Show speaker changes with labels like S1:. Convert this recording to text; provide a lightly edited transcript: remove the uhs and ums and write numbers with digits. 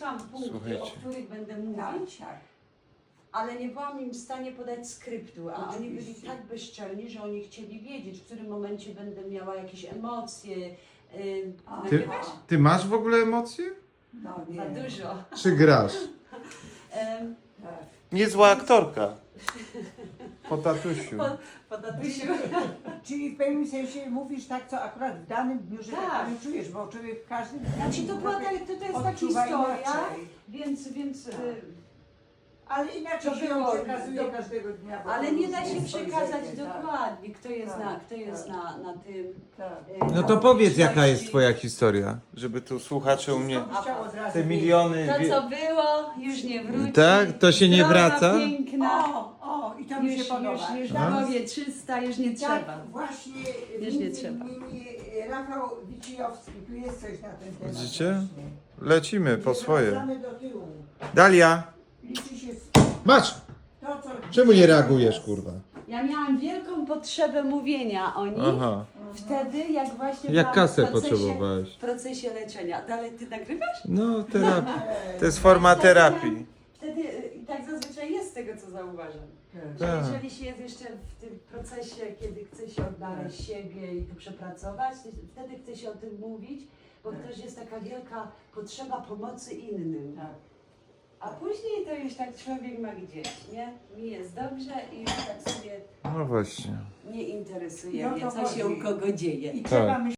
S1: wymyśliłam punkty,
S2: Słuchajcie.
S1: o których będę mówić,
S3: Tak.
S1: ale nie byłam im w stanie podać skryptu, a oni byli
S3: Oczywiście.
S1: tak bezczelni, że oni chcieli wiedzieć, w którym momencie będę miała jakieś emocje.
S3: A,
S2: Ty,
S1: Nagrywasz?
S2: ty masz w ogóle emocje?
S3: No
S1: Za
S3: nie.
S1: dużo.
S2: Czy grasz?
S1: Em,
S3: Tak.
S2: Niezła aktorka. Po tatusiu.
S1: po tatusiu.
S3: Czyli w pewnym sensie mówisz tak, co akurat w danym dniu, że
S1: Tak.
S3: tak powiem, czujesz, bo człowiek w każdym dniu
S1: Znaczy to była
S3: trochę
S1: to jest ta
S3: odczuwa
S1: historia,
S3: inaczej.
S1: więc
S3: Tak. Ale inaczej
S1: To
S3: się
S1: było-
S3: ją przekazuje każdego dnia. bo
S1: ale
S3: to
S1: nie da
S3: różnie
S1: się
S3: jest
S1: przekazać
S3: spojrzenie, tak.
S1: dokładnie, kto jest,
S3: Tak,
S1: kto jest
S3: tak.
S1: na tym.
S3: Tak.
S2: No to powiedz, jaka jest twoja historia, żeby tu słuchacze u mnie...
S3: Wszystko byś chciał od razu
S2: Te
S3: wiedzieć.
S2: miliony...
S1: To co było, już nie wróci.
S2: Tak? To się nie
S1: Droga
S2: wraca?
S1: piękna.
S3: I to mi się
S1: Już
S3: podoba.
S1: w
S2: A?
S1: głowie 300, już nie trzeba.
S3: Tak, właśnie
S1: Już nie
S3: między
S1: trzeba.
S3: innymi Rafał Wicijowski, tu jest coś na ten temat.
S2: Widzicie?
S3: właśnie.
S2: Lecimy po swoje.
S3: Wracamy do tyłu.
S2: Dalia!
S3: Liczy się
S2: Masz!
S3: to, co...
S2: Czemu nie reagujesz, kurwa?
S1: Ja miałam wielką potrzebę mówienia o nich.
S2: Aha.
S1: Wtedy, jak właśnie
S2: Jak
S1: byłam
S2: kasę
S1: w procesie,
S2: potrzebowałeś?
S1: w procesie leczenia. Dalej ty nagrywasz?
S2: No, terapia. To jest forma terapii.
S1: Wtedy i tak zazwyczaj jest z tego, co zauważam.
S3: Tak.
S1: Że
S2: Tak.
S1: jeżeli się jest jeszcze w tym procesie, kiedy chce się odnaleźć siebie i to przepracować, to wtedy chce się o tym mówić, bo też jest taka wielka potrzeba pomocy innym.
S3: Tak.
S1: A później to już tak człowiek ma gdzieś, nie? Mi jest dobrze i już tak sobie
S2: No właśnie.
S1: nie interesuje
S3: No
S1: mnie,
S3: to
S1: co się
S3: chodzi.
S1: u kogo dzieje.
S3: I trzeba myśleć